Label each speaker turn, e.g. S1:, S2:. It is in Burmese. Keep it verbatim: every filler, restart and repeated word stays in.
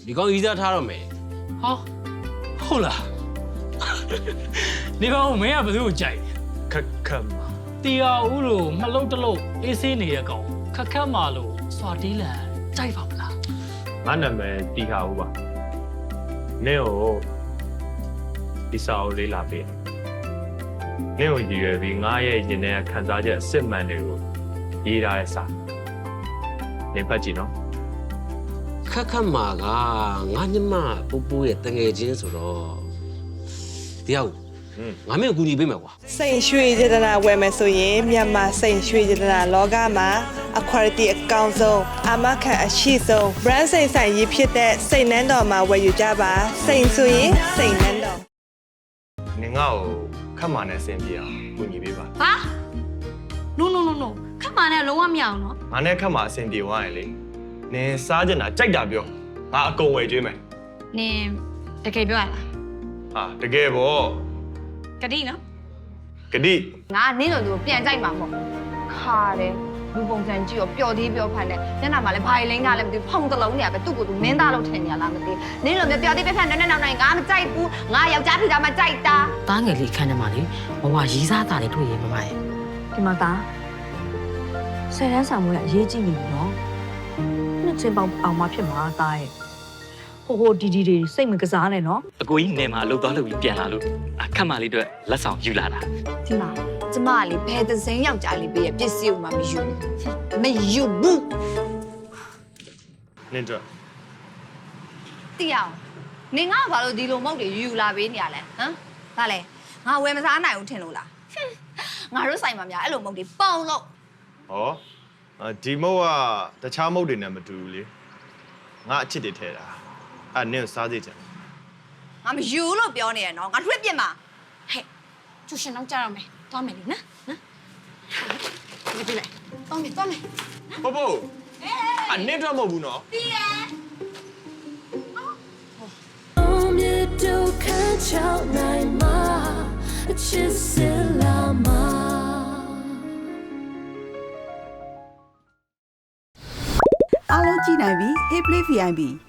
S1: ဒီကောင်ကြီးစားထားတော့မယ်
S2: ဟာဟုတ်လားဒီကောင်မင်းကဘယ်သူ့ကိုကြိုက်ခက်ခက်မှာတီယာဦးလို့မလုံးတလုံးအေးဆေးနေတဲ့ကောင်ခက်ခက်မှာလို့စွာတီးလန်ကြိုက်ပါမလား
S3: ငါနာမည်တီဟာဦးပါနင့်ကိုဒီစာအုပ်လေးလာပေးနင့်ကိုရည်ရွယ်ပြီးငါရဲ့ရင်ထဲခံစားချက်အစစ်မှန်တွေကိုရေးထားတဲ့စာနင်ဖတ်ကြည့်နော်
S1: ခက်ခက်မှာကငါညမပူပူရဲ့တငယ်ချင်းဆိုတော့တရားဦးငါမင်းကူညီပေးမယ်ကွာ
S4: စိန်ရွှေစေတနာဝယ်မယ်ဆိုရင်မြန်မာစိန်ရွှေစေတနာလောကမှာအခွာတီအကောင်းဆုံးအာမခံအရှိဆုံး brand စိန်ဆိုင်ရေးဖြစ်တဲ့စိန်နန်းတော်မှာဝယ်ယူကြပါစိန်ဆိုရင်စိန်နန်းတော်
S3: နင်ငါ့ကိုခတ်မာနဲ့ဆင်ပြေအောင်ကူညီပေးပါ
S5: ဟာ no no no no ခက်မှန်နဲ့လုံးဝမရအောင်နော်
S3: ငါနဲ့ခတ်မာအဆင်ပြေသွားရင်လေနင်စားချင်တာကြိုက်တာပြောငါအကုန်ဝယ်ကျွေးမယ်
S5: နင်တကယ်ပြောရလား
S3: ဟာတကယ်ပေါ့
S5: ကတိနော်
S3: ဂတိ
S5: ငါနင်းလိုသူကိုပြန်ကြိုက်မှာပေါ့ခါတယ်လူပုံစံကြည့်ရောပျော်သေးပျော်ဖန်နဲ့ညနာမှာလည်းဘာလိမ့်တာလဲမသိဘူးဖုံတလုံးနေရပဲသူ့ကိုသူမင်းသားလို့ထင်နေရလားမသိနင်းလိုမျိုးပျော်သေးပျော်ဖန်နဲ့နဲ့နောက်နိုင်ငါမကြိုက်ဘူးငါယောက်ျားဖြစ်တာမှကြိုက်တာ
S6: တားငယ်လေးခန်းထဲမှာလေဘဝရီးစားတာတွေတွေ့ရင်မမရဲ့
S7: ဒီမှာသားဆယ်တန်းဆောင်မွေးကအရေးကြီးနေပြီနော်နှစ်ချင်းပေါင်းအောင်မဖြစ်မှာသားရဲ့ဟိုဟိုဒီဒီတွေစိတ်မကစားနဲ့နော်
S8: အကိုကြီးနေမှာလှုပ်သွားလှုပ်ပြီးပြန်လာလို့အခက်မလေးတို့လက်ဆောင်ယူလာတာ
S5: ဒီမှာကျမကလေဘယ်သစင်းယောက်ျားလေးပေးရပစ္စည်းကိုမှမယူမယူဘူး
S3: နင်တို့
S5: တိအောင်နင်ငါဘာလို့ဒီလိုမဟုတ်တွေယူလာပေးနေရလဲဟမ်ဘာလဲငါဝယ်မစားနိုင်ဘူးထင်လို့လားငါတို့ဆိုင်မှာများအဲ့လိုမဟုတ်တွေပေါင်လို့
S3: ဟောဒီမုတ်ကတခြားမုတ်တွေနဲ့မတူဘူးလေငါအချစ်တွေထဲတာအဲ့နင်ကိုစားစေချင်
S5: ငါမယူလို့ပြောနေရနော်ငါထွေးပြစ်မှာဟဲ့ကျူရှင်တော့ကြားရမယ်သွားမယ်လေနော်နော်ဒီပြလိုက်သွားမယ်သွားမယ်
S3: ပို့ပို့အဲ့နင်တော့မဟုတ်ဘူးနော်
S5: တီးရ
S9: အားလုံးကြည့်နိုင်ပြီ Hey Play ဗီ အိုင် ပီ